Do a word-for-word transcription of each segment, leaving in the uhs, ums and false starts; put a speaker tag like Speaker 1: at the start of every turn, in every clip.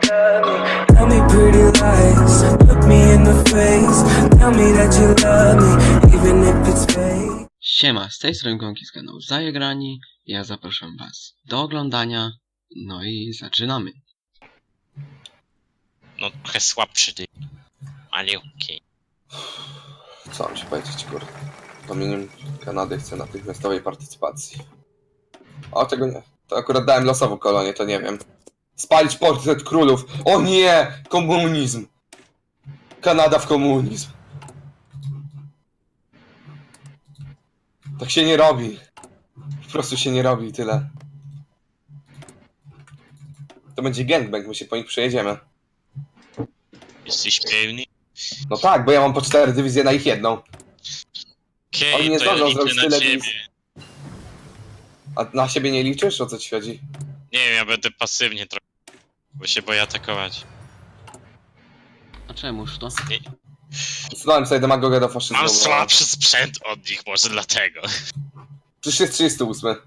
Speaker 1: love me. Tell me pretty lies, look me in the face. Tell me that you love me, even if it's fake.
Speaker 2: Siema, z tej strony Gonki z kanału Zajegrani. Ja zapraszam was do oglądania. No i zaczynamy.
Speaker 3: No trochę słabszy ty, ale okej. Okay.
Speaker 4: Co mam ci powiedzieć, kurde? Dominium Kanady chce natychmiastowej partycypacji. O, tego nie. To akurat dałem losową kolonię, to nie wiem. Spalić portret królów. O nie! Komunizm! Kanada w komunizm. Tak się nie robi. Po prostu się nie robi i tyle. To będzie gangbang, my się po nich przejedziemy.
Speaker 3: Jesteś pewny?
Speaker 4: No tak, bo ja mam po cztery dywizje na ich jedną.
Speaker 3: Okej,
Speaker 4: Oni nie
Speaker 3: to ja
Speaker 4: zdążą
Speaker 3: liczę
Speaker 4: zrobić
Speaker 3: na
Speaker 4: tyle
Speaker 3: ciebie.
Speaker 4: dywizji. A na siebie nie liczysz? O co ci chodzi?
Speaker 3: Nie wiem, ja będę pasywnie trochę, bo się boję atakować.
Speaker 2: A czemuż to?
Speaker 3: Nie,
Speaker 4: Znałem sobie demagogę do faszyzmu.
Speaker 3: mam
Speaker 4: bo-
Speaker 3: słabszy sprzęt od nich, może dlatego.
Speaker 4: Przecież jest trzydziesty ósmy.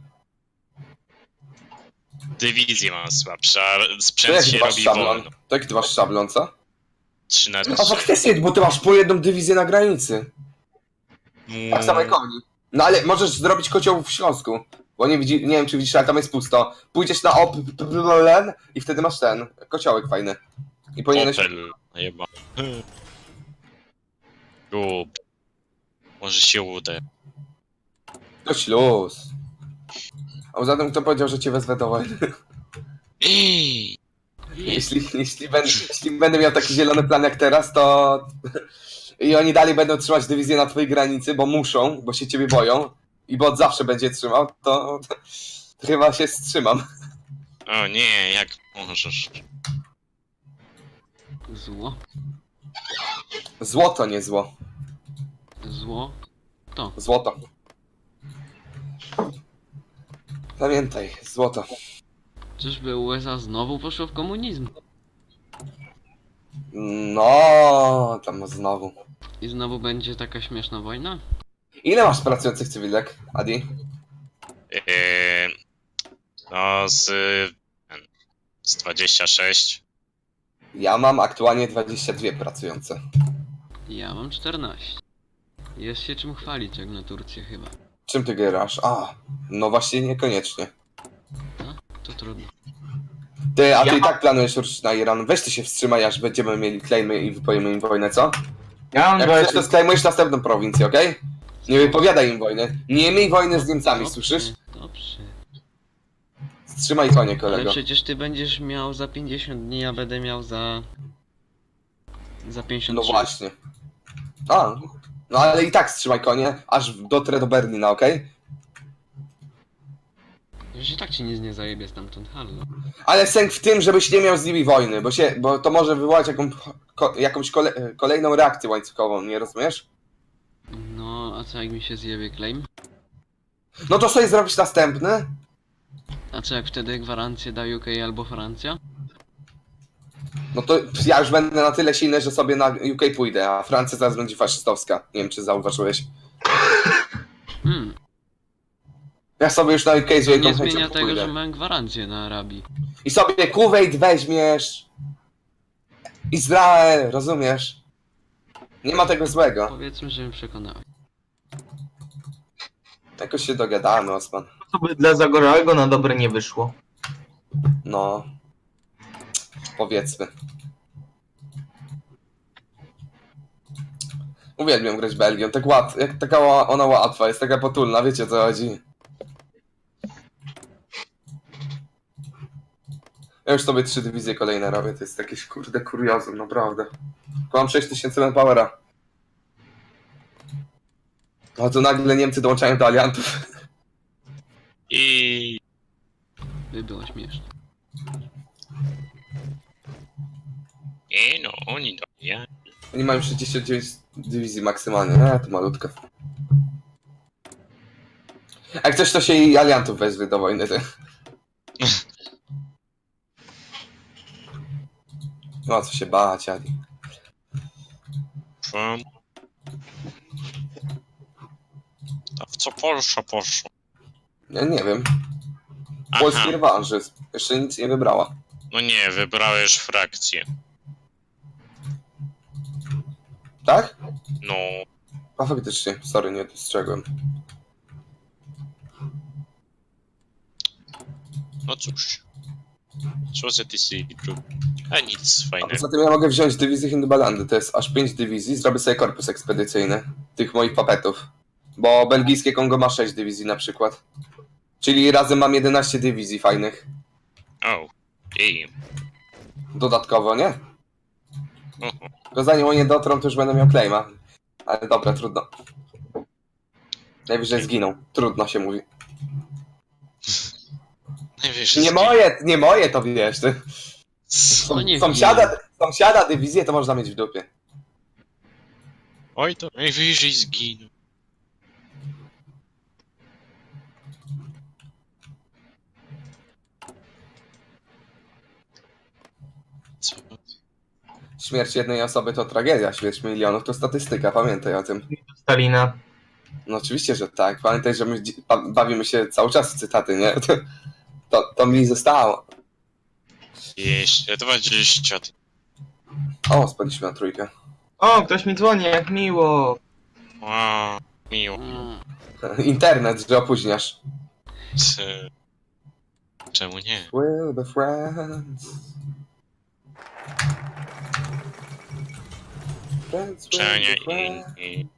Speaker 3: Dywizję mam słabsze, a
Speaker 4: To
Speaker 3: sprzęt
Speaker 4: jaki
Speaker 3: się
Speaker 4: ty masz
Speaker 3: robi
Speaker 4: szablon?
Speaker 3: wolno.
Speaker 4: To jaki ty masz szablon, co?
Speaker 3: trzy na
Speaker 4: A
Speaker 3: trzy.
Speaker 4: faktycznie, bo ty masz po jedną dywizję na granicy. Tak samo jak oni. No ale możesz zrobić kocioł w Śląsku. Bo nie, widzi, nie wiem czy widzisz, ale tam jest pusto. Pójdziesz na op i wtedy masz ten kociołek fajny. I powinieneś...
Speaker 3: Opel, chyba. Gub. Może się uda.
Speaker 4: To śluz. A poza tym kto powiedział, że cię wezwę do wojny?
Speaker 3: Ej,
Speaker 4: Jeśli, jeśli, będę, jeśli będę miał taki zielony plan jak teraz, to... I oni dalej będą trzymać dywizję na twojej granicy, bo muszą, bo się ciebie boją. I bo od zawsze będzie trzymał, to, to, to chyba się wstrzymam.
Speaker 3: o nie, jak możesz.
Speaker 2: Zło?
Speaker 4: Złoto, nie zło.
Speaker 2: Zło? To.
Speaker 4: Złoto. Pamiętaj, złoto.
Speaker 2: Czyżby U S A znowu poszło w komunizm?
Speaker 4: No, tam znowu.
Speaker 2: I znowu będzie taka śmieszna wojna?
Speaker 4: Ile masz pracujących cywilek, Adi?
Speaker 3: Eee, no z... z dwadzieścia sześć.
Speaker 4: Ja mam aktualnie dwadzieścia dwie pracujące.
Speaker 2: Ja mam czternaście. Jest się czym chwalić jak na Turcję chyba.
Speaker 4: Czym ty grasz? A, no właśnie niekoniecznie.
Speaker 2: No, to trudno.
Speaker 4: Ty, a ty
Speaker 3: Ja-
Speaker 4: i tak planujesz ruszyć na Iran. Weź ty się wstrzymaj, aż będziemy mieli claimy i wypowiemy im wojnę, co?
Speaker 5: Ja mam
Speaker 4: Jak chcesz, to
Speaker 5: dwadzieścia...
Speaker 4: sklejmujesz następną prowincję, okej? Nie wypowiadaj im wojny. Nie miej wojny z Niemcami,
Speaker 2: Dobrze,
Speaker 4: słyszysz?
Speaker 2: Dobrze.
Speaker 4: Wstrzymaj konie,
Speaker 2: Ale
Speaker 4: kolego.
Speaker 2: przecież ty będziesz miał za pięćdziesiąt dni, a będę miał za... Za pięćdziesiąt
Speaker 4: No
Speaker 2: trzy.
Speaker 4: właśnie. A, no ale i tak wstrzymaj konie, aż dotrę do Berlina, okej?
Speaker 2: Że i tak ci nic nie zajebie stamtąd, hallo.
Speaker 4: Ale sęk w tym, żebyś nie miał z nimi wojny, bo się, bo to może wywołać jaką, ko, jakąś kole, kolejną reakcję łańcuchową, nie rozumiesz?
Speaker 2: No, a co jak mi się zjebie claim?
Speaker 4: No to sobie zrobisz następny.
Speaker 2: A co jak wtedy gwarancję da U K albo Francja?
Speaker 4: No to ja już będę na tyle silny, że sobie na U K pójdę, a Francja zaraz będzie faszystowska. Nie wiem, czy zauważyłeś.
Speaker 2: Hmm,
Speaker 4: Ja sobie już na U K z wielką
Speaker 2: nie
Speaker 4: chęcią
Speaker 2: zmienia tego,
Speaker 4: pójdę.
Speaker 2: że mam gwarancję na Arabii.
Speaker 4: I sobie Kuwejt weźmiesz. Izrael, rozumiesz? Nie ma tego złego.
Speaker 2: Powiedzmy, że mnie przekonałeś.
Speaker 4: Jakoś się dogadamy, Osman.
Speaker 5: To by dla Zagorzałego na dobre nie wyszło.
Speaker 4: No. Powiedzmy. Uwielbiam grać Belgią, tak łat, jak taka ła- ona łatwa, jest taka potulna, wiecie o co chodzi. Ja już sobie trzy dywizje kolejne robię, to jest jakieś kurde kuriozum, naprawdę. Tylko mam sześć tysięcy manpowera. A tu nagle Niemcy dołączają do aliantów.
Speaker 3: I...
Speaker 2: By było śmieszne.
Speaker 3: Nie no, oni do ja.
Speaker 4: Oni mają sześćdziesiąt dziewięć dywizji maksymalnie, a to malutka. Jak coś to się i aliantów wezwie do wojny, ty. No co się bać, Ali.
Speaker 3: Pum. A w co Polsza poszła?
Speaker 4: Ja nie wiem.
Speaker 3: Aha.
Speaker 4: Polski rewanżyzm. Jeszcze nic nie wybrała.
Speaker 3: No nie, wybrałeś frakcję.
Speaker 4: Tak?
Speaker 3: No,
Speaker 4: A faktycznie, sorry, nie dostrzegłem.
Speaker 3: no cóż. Co za ty sobie robisz? A nic
Speaker 4: A
Speaker 3: fajnego.
Speaker 4: poza tym ja mogę wziąć dywizję Hindubalandy, to jest aż pięć dywizji, zrobię sobie korpus ekspedycyjny tych moich papetów. Bo belgijskie Kongo ma sześć dywizji na przykład. Czyli razem mam jedenaście dywizji fajnych.
Speaker 3: O, jej.
Speaker 4: Dodatkowo, nie?
Speaker 3: Oho.
Speaker 4: Tylko zanim oni dotrą, to już będę miał claima. Ale dobra, trudno. Najwyżej zginą. Trudno się mówi.
Speaker 3: Najwyżej
Speaker 4: Nie
Speaker 3: zginie.
Speaker 4: moje, nie moje to wiesz. Ty.
Speaker 3: Co?
Speaker 2: No nie
Speaker 4: Sąsiada, sąsiada dywizję to można mieć w dupie.
Speaker 3: Oj, to najwyżej zginął. Co?
Speaker 4: Śmierć jednej osoby to tragedia, śmierć milionów to statystyka, pamiętaj o tym.
Speaker 5: Stalina.
Speaker 4: No oczywiście, że tak. Pamiętaj, że my dzi- ba- bawimy się cały czas w cytaty, nie? To, to mi zostało.
Speaker 3: Jeszcze dwadzieścia.
Speaker 4: O, spadliśmy na trójkę.
Speaker 5: O, ktoś mi dzwoni, jak miło.
Speaker 3: Wow, miło.
Speaker 2: Mm,
Speaker 4: Internet, że opóźniasz.
Speaker 3: C- Czemu nie?
Speaker 4: We'll be friends. Friends,
Speaker 3: Czemu
Speaker 4: we'll
Speaker 3: nie
Speaker 4: be friends.
Speaker 3: inni?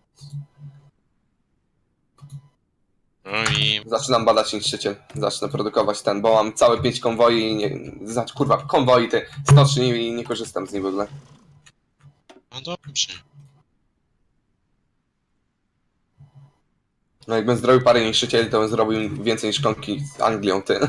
Speaker 3: No i...
Speaker 4: Zaczynam badać niszczyciel. Zacznę produkować ten, bo mam całe pięć konwoi i nie... Znaczy, kurwa, konwoi te stoczni i nie korzystam z nich w ogóle.
Speaker 3: No dobrze.
Speaker 4: No jakbym zrobił parę niszczycieli, to bym zrobił więcej niż konki z Anglią, ty.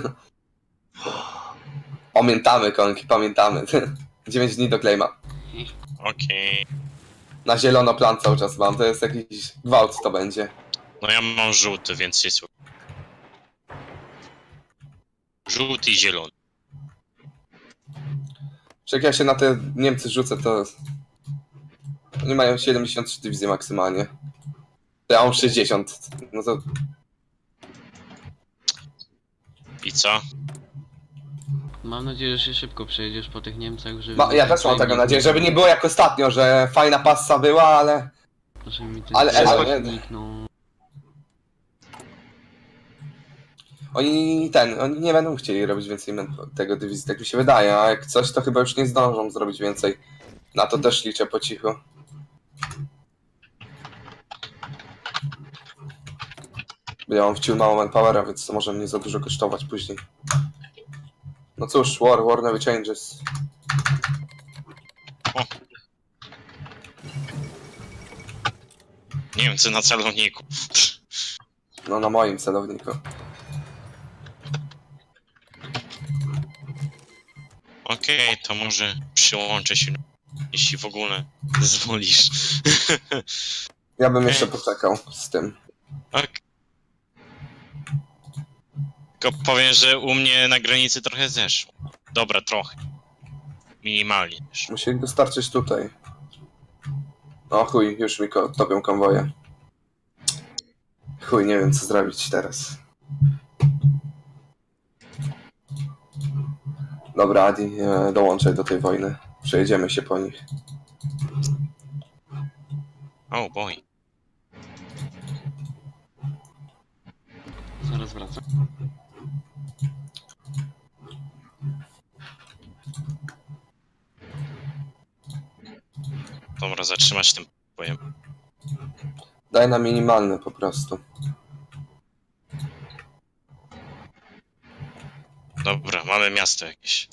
Speaker 4: Pamiętamy konki, pamiętamy, ty. dziewięć dni do claima.
Speaker 3: Okej.
Speaker 4: Na zielono plan cały czas mam, to jest jakiś gwałt to będzie.
Speaker 3: No ja mam żółty, więc jest... Żółty i zielony.
Speaker 4: Czy jak ja się na te Niemcy rzucę, to... Oni mają siedemdziesiąt trzy dywizje maksymalnie. To ja mam sześćdziesiąt. No to...
Speaker 3: I co?
Speaker 2: Mam nadzieję, że się szybko przejedziesz po tych Niemcach, żeby...
Speaker 4: Ma, ja też mam taką nadzieję, żeby nie było jak ostatnio, że fajna passa była, ale...
Speaker 2: Żeby mi ten
Speaker 4: Ale-
Speaker 2: ale,
Speaker 4: ale-
Speaker 2: zniknął.
Speaker 4: Oni ten, oni nie będą chcieli robić więcej men- tego dywizji, tak mi się wydaje, a jak coś, to chyba już nie zdążą zrobić więcej. Na to też liczę po cichu. Bo ja mam wciął mało manpowera, więc to może mnie za dużo kosztować później. No cóż, war, war never changes.
Speaker 3: Niemcy na celowniku.
Speaker 4: No na moim celowniku.
Speaker 3: Okej, to może przyłączę się, jeśli w ogóle zwolisz.
Speaker 4: Ja bym jeszcze poczekał z tym.
Speaker 3: Ok. Tylko powiem, że u mnie na granicy trochę zeszło. Dobra, trochę. Minimalnie też.
Speaker 4: Musi dostarczyć tutaj. O chuj, już mi ko- topią konwoje. Chuj, nie wiem co zrobić teraz. Dobra, Adi, e, dołączaj do tej wojny. Przejedziemy się po nich.
Speaker 3: Oh boy.
Speaker 2: Zaraz wracam.
Speaker 3: Dobra, zatrzymać tym pojem.
Speaker 4: Daj na minimalny po prostu.
Speaker 3: Dobra, mamy miasto jakieś.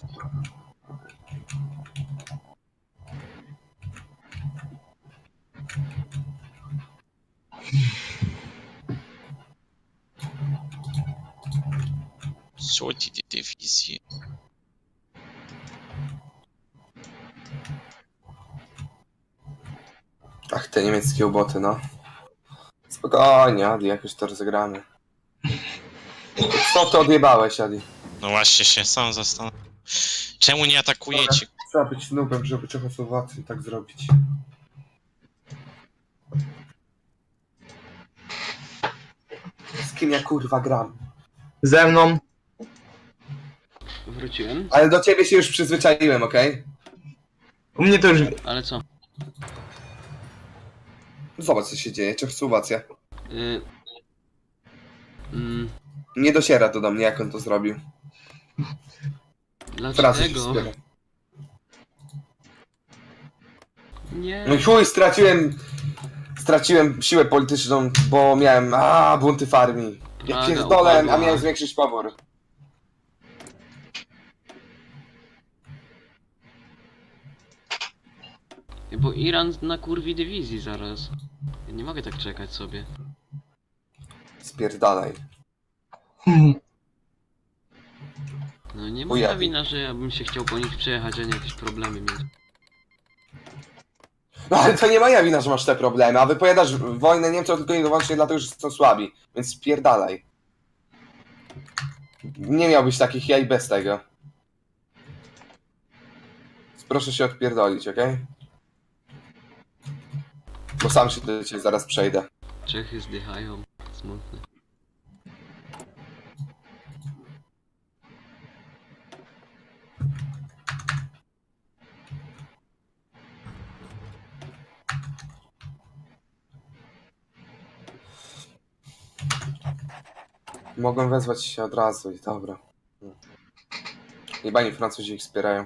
Speaker 3: Co ci te dywizje?
Speaker 4: Ach, te niemieckie uboty, no. Spokojnie, Adi, jakoś to rozegramy. Co ty odjebałeś, Adi?
Speaker 3: No właśnie się sam zastanawiam. Czemu nie atakujecie?
Speaker 4: Trzeba być nubem, żeby Czechosłowacji tak zrobić. Z kim ja kurwa gram?
Speaker 5: Ze mną.
Speaker 2: Wróciłem?
Speaker 4: Ale do ciebie się już przyzwyczaiłem, okej?
Speaker 5: U mnie to już...
Speaker 2: Ale co?
Speaker 4: Zobacz co się dzieje, Czechosłowacja.
Speaker 2: Y... Mm,
Speaker 4: Nie dociera to do mnie, jak on to zrobił. Frazy się
Speaker 2: dlaczego?
Speaker 4: wspiera.
Speaker 2: Nie.
Speaker 4: No i chuj, straciłem... Straciłem siłę polityczną, bo miałem... A bunty w armii. Ja
Speaker 2: Praga
Speaker 4: pierdolę, a
Speaker 2: upadła.
Speaker 4: miałem zwiększyć pobór.
Speaker 2: Bo Iran na kurwi dywizji zaraz. Ja nie mogę tak czekać sobie.
Speaker 4: Spierdalaj.
Speaker 2: No nie
Speaker 4: Chuja.
Speaker 2: moja wina, że ja bym się chciał po nich przejechać, a nie jakieś problemy mieć.
Speaker 4: No ale to nie moja wina, że masz te problemy, a wypowiadasz wojnę Niemcom tylko i wyłącznie dlatego, że są słabi. Więc spierdalaj. Nie miałbyś takich jaj bez tego. Proszę się odpierdolić, okej? Bo sam się do ciebie zaraz przejdę.
Speaker 2: Czechy zdychają. Smutne.
Speaker 4: Mogą wezwać się od razu i dobra. Jebani Francuzi ich wspierają.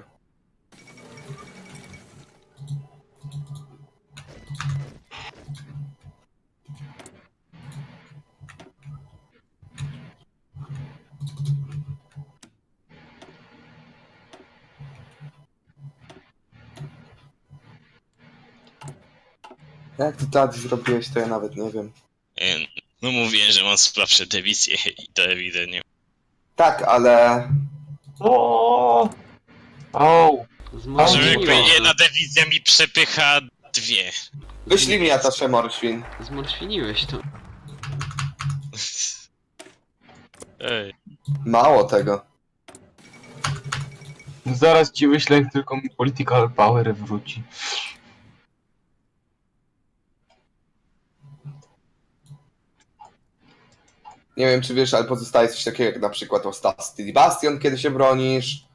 Speaker 4: Jak ty Tadzi zrobiłeś, to ja nawet nie wiem.
Speaker 3: E, No mówię, że mam słabsze dywizje i to ewidentnie.
Speaker 4: Tak, ale...
Speaker 5: O! O!
Speaker 3: Żeby jakby
Speaker 2: Zmorświniłeś
Speaker 3: jedna
Speaker 2: to.
Speaker 3: dywizja mi przepycha dwie.
Speaker 4: Wyślij mi atasze morświn.
Speaker 2: Zmorświniłeś to.
Speaker 3: Ej.
Speaker 4: Mało tego.
Speaker 5: Zaraz ci wyślę, jak tylko mi political power wróci.
Speaker 4: Nie wiem czy wiesz, ale pozostaje coś takiego jak na przykład Ostatni Bastion, kiedy się bronisz.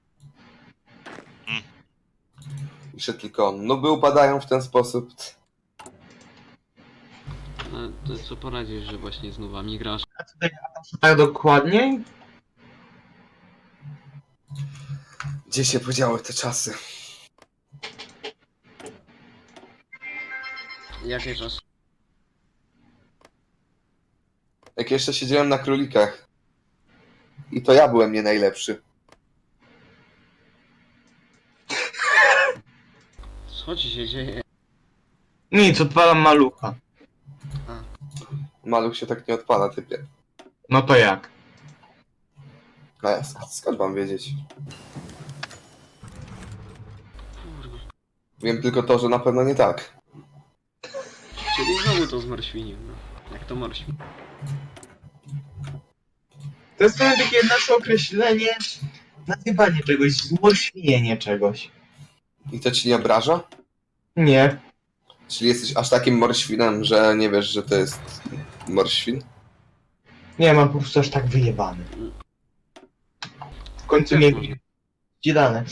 Speaker 3: Mm.
Speaker 4: Jeszcze tylko nuby upadają w ten sposób.
Speaker 2: No to co poradzisz, że właśnie z nowami grasz?
Speaker 5: A tutaj tak dokładniej?
Speaker 4: Gdzie się podziały te czasy?
Speaker 2: Jakie czas?
Speaker 4: Jak jeszcze siedziałem na królikach. I to ja byłem nie najlepszy.
Speaker 2: Co ci się dzieje?
Speaker 5: Nic, odpalam malucha.
Speaker 4: Maluch się tak nie odpala, typie.
Speaker 5: No to jak?
Speaker 4: A ja sk- skąd mam wiedzieć?
Speaker 2: Kurwa.
Speaker 4: Wiem tylko to, że na pewno nie tak.
Speaker 2: Czyli znowu to zmorświnił, no. Jak to morświn?
Speaker 5: To jest trochę takie nasze określenie, nazywanie czegoś, zmorświnienie czegoś.
Speaker 4: I to ci nie obraża?
Speaker 5: Nie.
Speaker 4: Czyli jesteś aż takim morświnem, że nie wiesz, że to jest morświn?
Speaker 5: Nie, mam po prostu aż tak wyjebany. W końcu
Speaker 2: Jak
Speaker 5: mnie
Speaker 2: można?
Speaker 5: dane.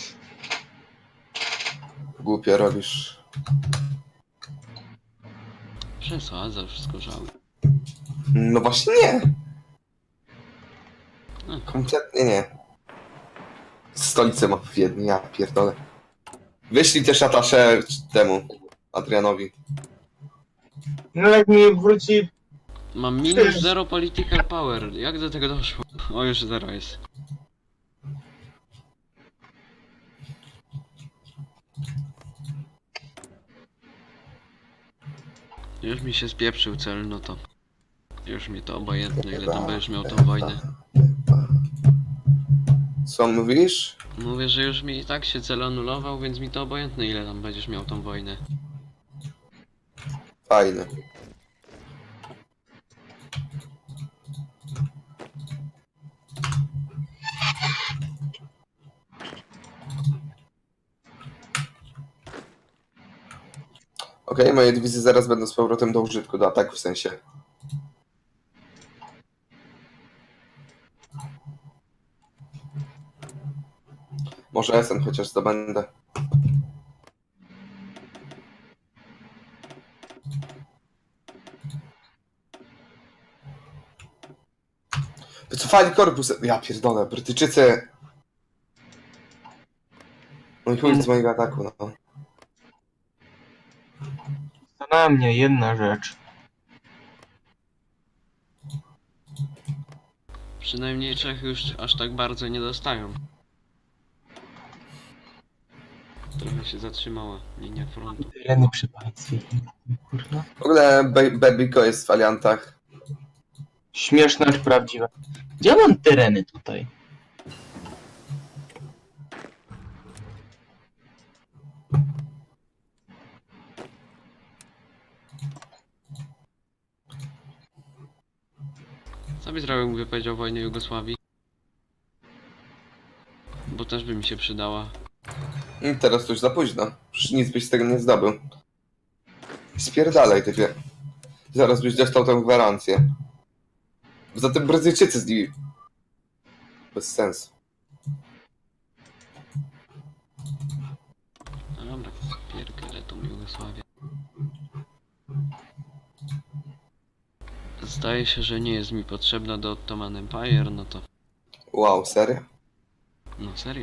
Speaker 4: Głupio robisz.
Speaker 2: Przesadzasz, skorzały.
Speaker 4: No właśnie nie.
Speaker 2: No.
Speaker 4: Kompletnie nie. Stolicę ma w Wiedniu, ja pierdolę. Wyślij też atasze temu, Adrianowi.
Speaker 5: No jak mi wróci...
Speaker 2: Mam minus zero political power. Jak do tego doszło? O, już zero jest. Już mi się spieprzył cel, no to... Już mi to obojętne, ile tam będziesz miał tą wojnę.
Speaker 4: Co mówisz?
Speaker 2: Mówię, że już mi i tak się cel anulował, więc mi to obojętne, ile tam będziesz miał tą wojnę.
Speaker 4: Fajne. Okej, okay, moje dywizje zaraz będą z powrotem do użytku, do ataku w sensie. Może Essen chociaż zdobędę. Wycofali korpus. Ja pierdolę, Brytyjczycy. No i chuj z mojego ataku, no.
Speaker 5: Zastanawia mnie jedna rzecz.
Speaker 2: Przynajmniej Czechy już aż tak bardzo nie dostają. Trochę się zatrzymała linia frontu.
Speaker 5: Tereny przy państwie. Kurwa.
Speaker 4: W ogóle Be- Bebiko jest w aliantach.
Speaker 5: Śmieszne czy prawdziwe? Gdzie mam tereny tutaj?
Speaker 2: Co by zrobił, gdyby powiedział wojnę Jugosławii? Bo też by mi się przydała.
Speaker 4: I teraz to już za późno. Przecież nic byś z tego nie zdobył. Spierdalaj, typie. Zaraz byś dostał tę gwarancję. Poza tym Brazylijczycy z nimi. Bez sensu.
Speaker 2: No dobra, pierdzielę tą Jugosławię. Zdaje się, że nie jest mi potrzebna do Ottoman Empire, no to...
Speaker 4: Wow, serio?
Speaker 2: No serio.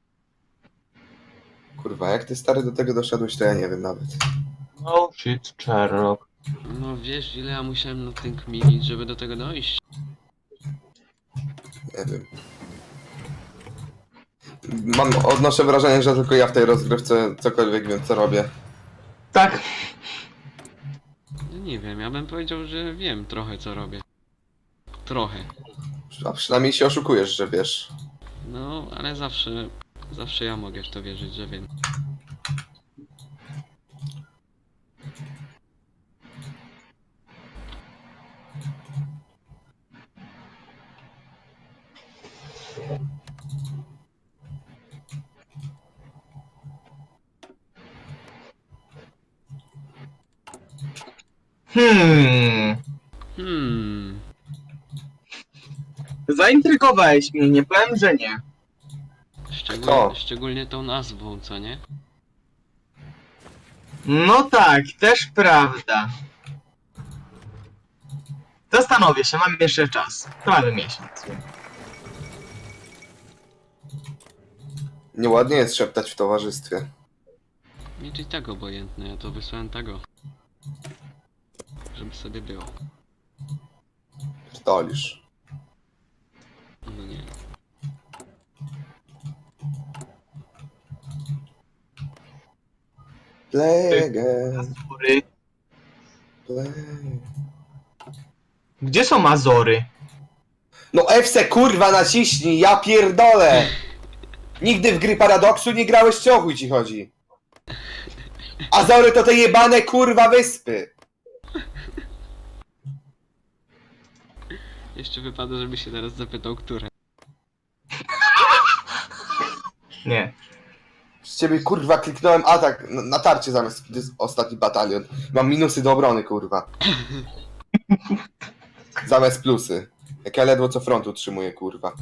Speaker 4: Kurwa, jak ty stary do tego doszedłeś, to ja nie wiem nawet.
Speaker 5: No shit, Sherlock.
Speaker 2: No wiesz, ile ja musiałem na tym kminić, żeby do tego dojść?
Speaker 4: Nie wiem. Mam, odnoszę wrażenie, że tylko ja w tej rozgrywce cokolwiek wiem, co robię.
Speaker 5: Tak.
Speaker 2: No nie wiem, ja bym powiedział, że wiem trochę co robię. Trochę.
Speaker 4: A przynajmniej się oszukujesz, że wiesz.
Speaker 2: No, ale zawsze... Zawsze ja mogę w to wierzyć, że wiem.
Speaker 5: Hmm.
Speaker 2: Hmm...
Speaker 5: Zaintrygowałeś mnie, nie powiem, że nie.
Speaker 2: Szczególnie,
Speaker 4: Kto?
Speaker 2: szczególnie tą nazwą, co nie?
Speaker 5: No tak, też prawda. Zastanowię się, mam jeszcze czas. Prawie miesiąc.
Speaker 4: Nieładnie jest szeptać w towarzystwie.
Speaker 2: Nic i tak obojętne, ja to wysłałem tego. Żeby sobie było.
Speaker 4: Pierdolisz.
Speaker 2: No nie.
Speaker 4: Play again,
Speaker 5: Azory.
Speaker 4: play.
Speaker 5: Gdzie są Azory?
Speaker 4: No F C kurwa naciśnij, ja pierdolę! Nigdy w gry Paradoksu nie grałeś, co o chuj ci chodzi? Azory to te jebane kurwa wyspy!
Speaker 2: Jeszcze wypada, żeby się teraz zapytał, które.
Speaker 5: Nie.
Speaker 4: Z ciebie kurwa kliknąłem atak na, na tarcie zamiast kiedy jest ostatni batalion. Mam minusy do obrony kurwa. Zamiast plusy. Jak ja ledwo co front utrzymuję kurwa.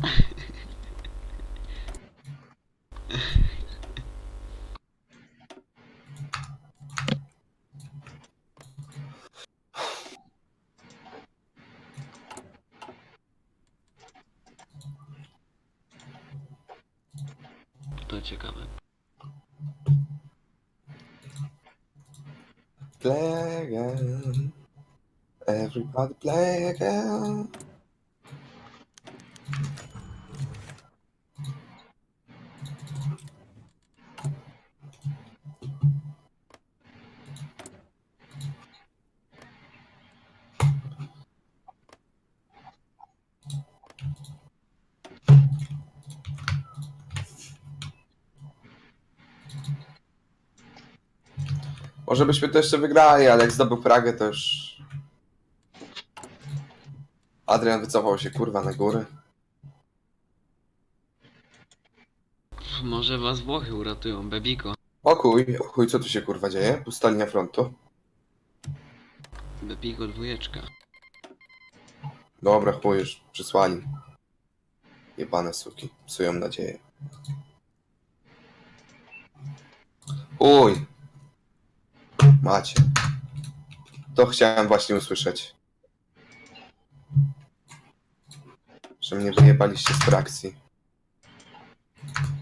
Speaker 2: To ciekawe.
Speaker 4: Play again. Everybody play again. Może byśmy to jeszcze wygrali, ale jak zdobył Pragę, to już... Adrian wycofał się kurwa na góry.
Speaker 2: Pff, może was Włochy uratują, Bebiko.
Speaker 4: O chuj, o chuj, co tu się kurwa dzieje? Pusta linia frontu.
Speaker 2: Bebiko dwójeczka.
Speaker 4: Dobra, chuj już, przysłani. Jebane suki, psują nadzieję. Uj. Macie. To chciałem właśnie usłyszeć. Że mnie wyjebaliście z frakcji.